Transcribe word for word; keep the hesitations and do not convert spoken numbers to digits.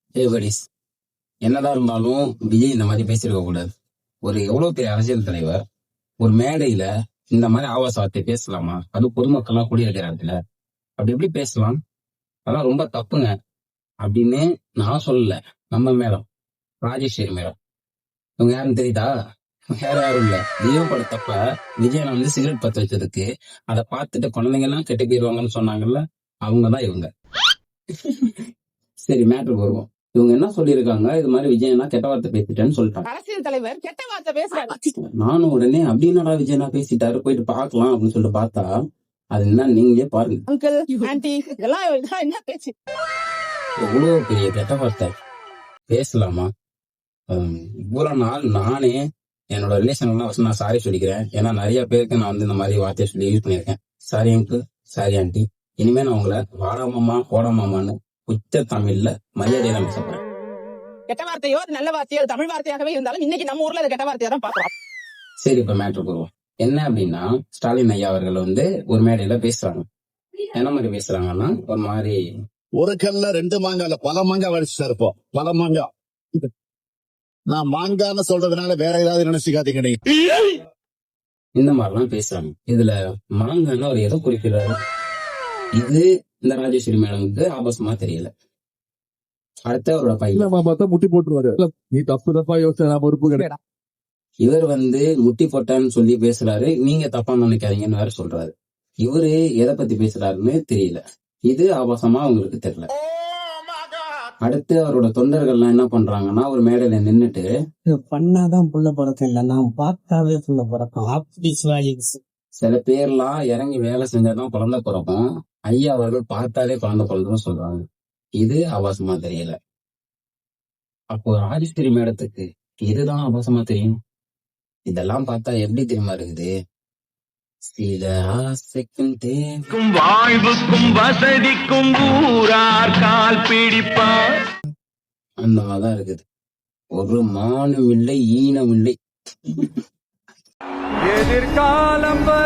ஏ buddies, என்னதான் இருந்தாலும் விஜய் இந்த மாதிரி பேசியிருக்க கூடாது. ஒரு எவ்வளவு பெரிய அரசியல் தலைவர் ஒரு மேடையில இந்த மாதிரி ஆபாச வார்த்தை பேசலாமா? அது பொதுமக்கள்லாம் கூடியிருக்கிற இடத்துல அப்படி எப்படி பேசலாம்? அதெல்லாம் ரொம்ப தப்புங்க அப்படின்னு நான் சொல்லல. நம்ம மேடம் ராஜேஸ்வரி மேடம், இவங்க யாருன்னு தெரியுதா? வேற யாரும் இல்ல, லியோ படத்தப்ப விஜயனை வந்து சிகரெட் பத்த வச்சதுக்கு அதை பார்த்துட்டு குழந்தைங்க எல்லாம் கெட்டு போயிருவாங்கன்னு சொன்னாங்கல்ல, அவங்கதான் இவங்க. சரி, மேட்ருக்கு வருவோம். இவங்க என்ன சொல்லியிருக்காங்க, இது மாதிரி விஜயனா கெட்ட வார்த்தை பேசிட்டேன்னு சொல்லிட்டாங்க. அரசியல் தலைவர் கெட்ட வார்த்தை பேசுறாங்க. நானும் உடனே அப்படின்னாடா விஜயனா பேசிட்டாரு, போயிட்டு பார்க்கலாம் அப்படின்னு சொல்லிட்டு பார்த்தா அது என்ன நீங்களே பாருங்க. அங்கிள் ஆன்டி இதெல்லாம் இதெல்லாம் என்ன பேச்சு? எவ்வளவு பெரிய கெட்ட வார்த்தை பேசலாமா? ஹம், இவ்வளவு நாள் நானே என்னோட ரிலேஷன் எல்லாம் first நான் சாரி சொல்லிக்கிறேன். ஏன்னா நிறைய பேருக்கு நான் வந்து இந்த மாதிரி வார்த்தையை சொல்லி யூஸ் பண்ணியிருக்கேன். Sorry uncle, sorry aunty. இனிமே நான் உங்களை வாடாமாமா போடாமாமான்னு உச்ச தமிழ்ல மரியாதையை தான் பேச போறேன். கெட்ட வார்த்தையோ நல்ல வார்த்தையோ அது தமிழ் வார்த்தையாகவே இருந்தாலும் இன்னைக்கு நம்ம ஊர்ல அது கெட்ட வார்த்தையா தான் பாக்குறோம். சரி, இப்ப மேட்ரு போடுவோம். என்ன அப்படின்னா, ஸ்டாலின் ஐயா அவர்கள் வந்து ஒரு மேடையில பேசுறாங்க. என்ன மாதிரி பேசுறாங்கன்னா, ஒரு மாதிரி ஒரு கல்ல ரெண்டு மாங்கால பல மாங்காய் வடிச்சு இருப்போம். பல மாங்காய். நான் மாங்கான்னு சொல்றதுனால வேற ஏதாவது நினைச்சுக்காதீங்க நீங்க. இந்த மாதிரிலாம் பேசுறாங்க. இதுல மாங்கன்னு அவர் எதை குறிக்கிறாரு? இது இந்த ராஜேஸ்வரி மேடமுக்கு ஆபாசமா தெரியல. அடுத்த அவரோட பையன் பார்த்தா முட்டி போட்டுருவாரு. நீ தப்பு தப்பா யோசிச்சா நான் பொறுப்பு கிடையாது. இவர் வந்து முட்டி போட்டான்னு சொல்லி பேசுறாரு, நீங்க தப்பா நினைக்காதீங்கன்னு வேற சொல்றாரு. இவரு எதை பத்தி பேசுறாருன்னு தெரியல. இது ஆபாசமா அவங்களுக்கு தெரியல. அடுத்து அவரோட தொண்டர்கள்லாம் என்ன பண்றாங்கன்னா, ஒரு மேடையில நின்னுட்டு பண்ணாதான் புள்ள பழக்கம் இல்ல, நான் பார்த்தாவே புள்ள பழக்கம். அப்படி சில பேர்லாம் இறங்கி வேலை செஞ்சாதான் குழந்தை பிறக்கும், ஐயா அவர்கள் பார்த்தாலே குழந்தை பிறந்ததுன்னு சொல்றாங்க. இது ஆபாசமா தெரியல. அப்போ ராஜேஸ்வரி மேடத்துக்கு இதுதான் ஆபாசமா தெரியும். இதெல்லாம் பார்த்தா எப்படி தெரியுமா இருக்குது? சில ஆசைக்கும் தேவைக்கும் வாழ்வுக்கும் வசதிக்கும் ஊரார் கால் பிடிப்பார் அந்த மாதிரிதான் இருக்குது. ஒரு மானம் இல்லை, ஈனம் இல்லை. எதிர்காலம்